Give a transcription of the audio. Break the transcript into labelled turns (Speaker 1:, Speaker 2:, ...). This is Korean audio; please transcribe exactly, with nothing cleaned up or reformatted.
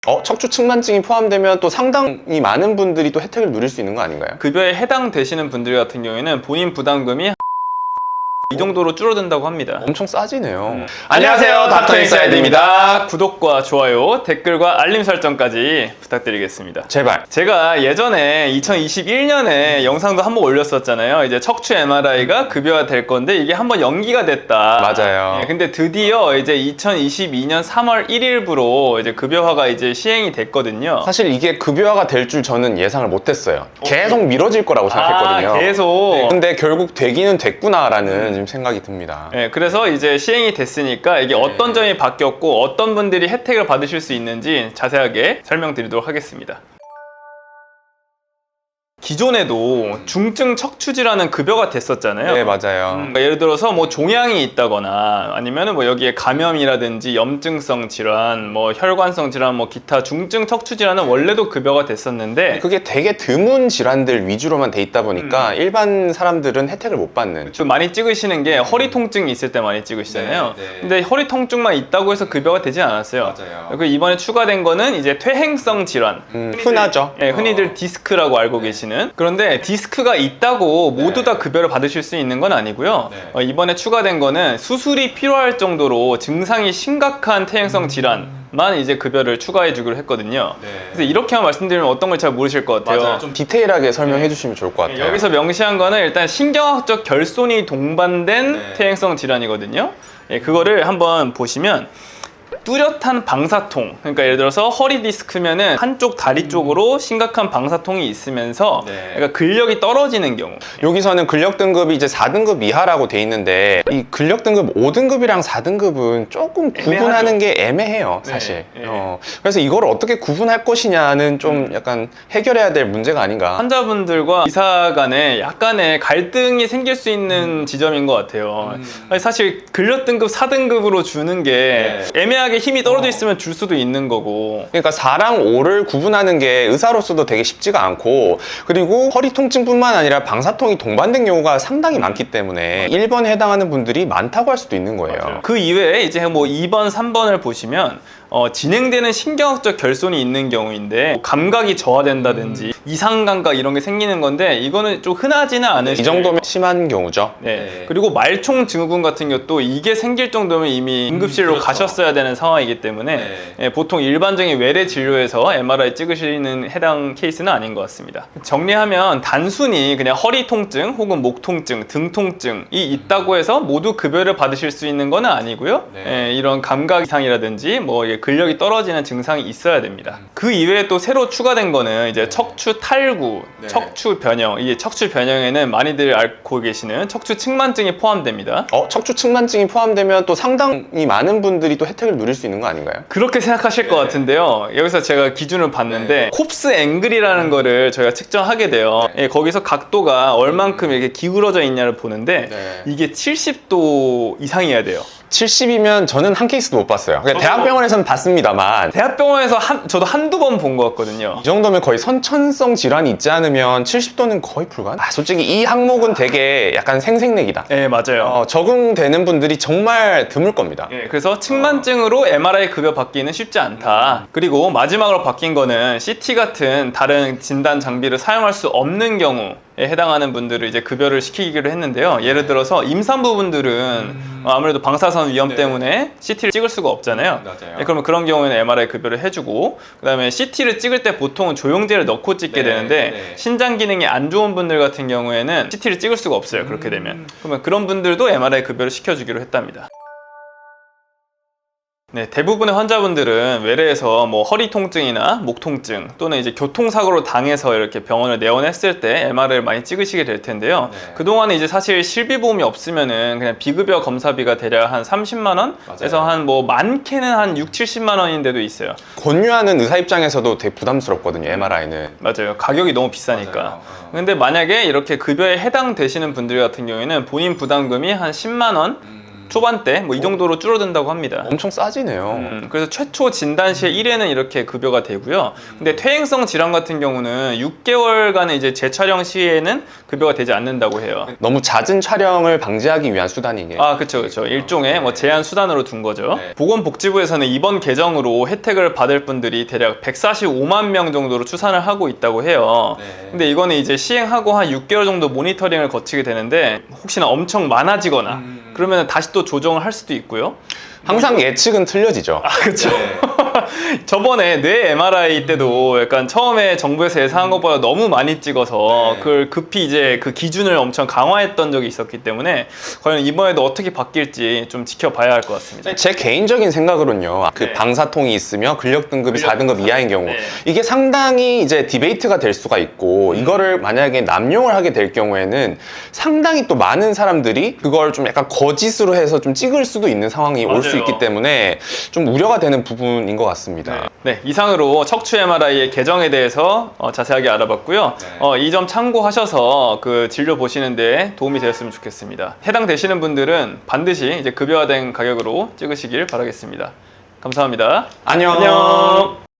Speaker 1: 어? 척추 측만증이 포함되면 또 상당히 많은 분들이 또 혜택을 누릴 수 있는 거 아닌가요?
Speaker 2: 급여에 해당되시는 분들 같은 경우에는 본인 부담금이 이 정도로 줄어든다고 합니다.
Speaker 1: 엄청 싸지네요.
Speaker 2: 음.
Speaker 1: 안녕하세요, 닥터 인사이드입니다.
Speaker 2: 구독과 좋아요, 댓글과 알림 설정까지 부탁드리겠습니다.
Speaker 1: 제발.
Speaker 2: 제가 예전에 이천이십일 년에 영상도 한번 올렸었잖아요. 이제 척추 엠알아이가 급여화 될 건데 이게 한번 연기가 됐다.
Speaker 1: 맞아요.
Speaker 2: 예, 근데 드디어 이제 이천이십이 년 삼월 일일부로 이제 급여화가 이제 시행이 됐거든요.
Speaker 1: 사실 이게 급여화가 될 줄 저는 예상을 못했어요. 계속 미뤄질 거라고 생각했거든요.
Speaker 2: 아, 계속.
Speaker 1: 네. 근데 결국 되기는 됐구나라는 지금 생각이 듭니다.
Speaker 2: 네, 그래서 이제 시행이 됐으니까 이게 어떤 점이 바뀌었고 어떤 분들이 혜택을 받으실 수 있는지 자세하게 설명드리도록 하겠습니다. 기존에도 중증 척추질환은 급여가 됐었잖아요.
Speaker 1: 네, 맞아요.
Speaker 2: 음, 그러니까 예를 들어서 뭐 종양이 있다거나 아니면은 뭐 여기에 감염이라든지 염증성 질환, 뭐 혈관성 질환, 뭐 기타 중증 척추 질환은 원래도 급여가 됐었는데
Speaker 1: 그게 되게 드문 질환들 위주로만 돼 있다 보니까
Speaker 2: 음.
Speaker 1: 일반 사람들은 혜택을 못 받는.
Speaker 2: 좀 많이 찍으시는 게 허리 통증이 있을 때 많이 찍으시잖아요.
Speaker 1: 네, 네.
Speaker 2: 근데 허리 통증만 있다고 해서 급여가 되지 않았어요.
Speaker 1: 맞아요.
Speaker 2: 그리고 이번에 추가된 거는 이제 퇴행성 질환.
Speaker 1: 음, 흔하죠.
Speaker 2: 예, 흔히들 디스크라고 알고 계시는. 그런데 디스크가 있다고 모두 다 급여를 받으실 수 있는 건 아니고요.
Speaker 1: 네.
Speaker 2: 어, 이번에 추가된 거는 수술이 필요할 정도로 증상이 심각한 퇴행성 질환만 이제 급여를 추가해 주기로 했거든요.
Speaker 1: 네.
Speaker 2: 그래서 이렇게만 말씀드리면 어떤 걸 잘 모르실 것 같아요.
Speaker 1: 맞아요. 좀 디테일하게 설명해 주시면 좋을 것 같아요.
Speaker 2: 여기서 명시한 거는 일단 신경학적 결손이 동반된
Speaker 1: 네.
Speaker 2: 퇴행성 질환이거든요. 예, 그거를 한번 보시면 뚜렷한 방사통, 그러니까 예를 들어서 허리 디스크면은 한쪽 다리 쪽으로 심각한 방사통이 있으면서
Speaker 1: 네.
Speaker 2: 그러니까 근력이 떨어지는 경우.
Speaker 1: 여기서는 근력 등급이 이제 사 등급 이하라고 돼 있는데 이 근력 등급 오 등급이랑 사 등급은 조금 구분하는 게 애매해요, 사실.
Speaker 2: 네, 네.
Speaker 1: 어, 그래서 이걸 어떻게 구분할 것이냐는 좀
Speaker 2: 음.
Speaker 1: 약간 해결해야 될 문제가 아닌가.
Speaker 2: 환자분들과 의사 간에 약간의 갈등이 생길 수 있는 지점인 것 같아요. 아니, 사실 근력 등급 사 등급으로 주는 게 애매하게 힘이 떨어져 있으면 줄 수도 있는 거고.
Speaker 1: 그러니까 사랑 오를 구분하는 게 의사로서도 되게 쉽지가 않고, 그리고 허리 통증뿐만 아니라 방사통이 동반된 경우가 상당히 많기 때문에 일 번에 해당하는 분들이 많다고 할 수도 있는 거예요.
Speaker 2: 맞아요. 그 이외에 이제 뭐 이 번, 삼 번을 보시면 어, 진행되는 신경학적 결손이 있는 경우인데 뭐 감각이 저하된다든지 음. 이상 감각 이런 게 생기는 건데 이거는 좀 흔하지는 않은
Speaker 1: 이 정도면 심한 경우죠.
Speaker 2: 네.
Speaker 1: 네.
Speaker 2: 그리고 말총 증후군 같은 것도 이게 생길 정도면 이미 응급실로
Speaker 1: 음, 그렇죠.
Speaker 2: 가셨어야 되는 상황이기 때문에
Speaker 1: 네.
Speaker 2: 예, 보통 일반적인 외래 진료에서 엠알아이 찍으시는 해당 케이스는 아닌 것 같습니다. 정리하면 단순히 그냥 허리 통증 혹은 목 통증, 등 통증이 있다고 해서 모두 급여를 받으실 수 있는 건 아니고요.
Speaker 1: 네.
Speaker 2: 예, 이런 감각 이상이라든지 뭐 근력이 떨어지는 증상이 있어야 됩니다. 그 이외에 또 새로 추가된 거는 이제 척추 탈구,
Speaker 1: 네.
Speaker 2: 척추 변형. 이게 척추 변형에는 많이들 알고 계시는 척추 측만증이 포함됩니다.
Speaker 1: 어, 척추 측만증이 포함되면 또 상당히 많은 분들이 또 혜택을 누릴 수 있는 거 아닌가요?
Speaker 2: 그렇게 생각하실 것 같은데요. 여기서 제가 기준을 봤는데 콥스 앵글이라는 거를 저희가 측정하게 돼요. 예, 거기서 각도가 얼만큼 이렇게 기울어져 있냐를 보는데
Speaker 1: 네.
Speaker 2: 이게 칠십 도 이상이어야 돼요.
Speaker 1: 칠십이면 저는 한 케이스도 못 봤어요. 그러니까 대학병원에서는 봤습니다만
Speaker 2: 대학병원에서 한, 저도 한두 번 본 것 같거든요.
Speaker 1: 이 정도면 거의 선천성 질환이 있지 않으면 칠십 도는 거의 불가능. 아, 솔직히 이 항목은 되게 약간 생색내기다.
Speaker 2: 네, 맞아요.
Speaker 1: 어, 적응되는 분들이 정말 드물 겁니다.
Speaker 2: 예, 그래서 측만증으로 엠알아이 급여 받기는 쉽지 않다. 그리고 마지막으로 바뀐 거는 씨티 같은 다른 진단 장비를 사용할 수 없는 경우에 해당하는 분들을 이제 급여를 시키기로 했는데요. 예를 들어서 임산부분들은 아무래도 방사선 위험
Speaker 1: 네.
Speaker 2: 때문에 씨티를 찍을 수가 없잖아요.
Speaker 1: 맞아요.
Speaker 2: 예, 그러면 그런 경우에는 엠알아이 급여를 해주고, 그 다음에 씨티를 찍을 때 보통은 조영제를 넣고 찍게
Speaker 1: 네,
Speaker 2: 되는데
Speaker 1: 네.
Speaker 2: 신장 기능이 안 좋은 분들 같은 경우에는 씨티를 찍을 수가 없어요. 그렇게 되면. 그러면 그런 분들도 엠알아이 급여를 시켜주기로 했답니다. 네, 대부분의 환자분들은 외래에서 뭐 허리 통증이나 목 통증 또는 이제 교통사고로 당해서 이렇게 병원을 내원했을 때 엠알아이를 많이 찍으시게 될 텐데요.
Speaker 1: 네.
Speaker 2: 그동안에 이제 사실 실비보험이 없으면은 그냥 비급여 검사비가 대략 한 삼십만 원에서 한 뭐 많게는 한 육, 칠십만 원인 데도 있어요.
Speaker 1: 권유하는 의사 입장에서도 되게 부담스럽거든요, 엠알아이는.
Speaker 2: 맞아요. 가격이 너무 비싸니까.
Speaker 1: 맞아요. 어.
Speaker 2: 근데 만약에 이렇게 급여에 해당되시는 분들 같은 경우에는 본인 부담금이 한 십만 원
Speaker 1: 음.
Speaker 2: 초반대 뭐 이 정도로 줄어든다고 합니다.
Speaker 1: 엄청 싸지네요.
Speaker 2: 음, 그래서 최초 진단 시에 일 회는 이렇게 급여가 되고요. 근데 퇴행성 질환 같은 경우는 육 개월간의 이제 재촬영 시에는 급여가 되지 않는다고 해요.
Speaker 1: 너무 잦은 촬영을 방지하기 위한 수단이에요.
Speaker 2: 아, 그쵸, 그쵸. 일종의 뭐 제한 수단으로 둔 거죠.
Speaker 1: 네.
Speaker 2: 보건복지부에서는 이번 개정으로 혜택을 받을 분들이 대략 백사십오만 명 정도로 추산을 하고 있다고 해요.
Speaker 1: 네.
Speaker 2: 근데 이거는 이제 시행하고 한 육 개월 정도 모니터링을 거치게 되는데 혹시나 엄청 많아지거나
Speaker 1: 음.
Speaker 2: 그러면 다시 또 조정을 할 수도 있고요.
Speaker 1: 항상 예측은 틀려지죠.
Speaker 2: 아, 그쵸. 저번에 뇌 엠알아이 때도 약간 처음에 정부에서 예상한 것보다 너무 많이 찍어서
Speaker 1: 네.
Speaker 2: 그걸 급히 이제 그 기준을 엄청 강화했던 적이 있었기 때문에 과연 이번에도 어떻게 바뀔지 좀 지켜봐야 할 것 같습니다.
Speaker 1: 제 개인적인 생각으로는요, 그
Speaker 2: 네.
Speaker 1: 방사통이 있으며 근력 등급이
Speaker 2: 근력
Speaker 1: 사 등급
Speaker 2: 등급.
Speaker 1: 이하인 경우,
Speaker 2: 네.
Speaker 1: 이게 상당히 이제 디베이트가 될 수가 있고,
Speaker 2: 음.
Speaker 1: 이거를 만약에 남용을 하게 될 경우에는 상당히 또 많은 사람들이 그걸 좀 약간 거짓으로 해서 좀 찍을 수도 있는 상황이 올 수
Speaker 2: 맞아요.
Speaker 1: 있기 때문에 좀 우려가 되는 부분인 것 같습니다.
Speaker 2: 네, 이상으로 척추 엠알아이의 개정에 대해서 어, 자세하게 알아봤고요.
Speaker 1: 네.
Speaker 2: 어, 이 점 참고하셔서 그 진료 보시는 데 도움이 되었으면 좋겠습니다. 해당되시는 분들은 반드시 이제 급여화된 가격으로 찍으시길 바라겠습니다. 감사합니다.
Speaker 1: 안녕.
Speaker 2: 안녕.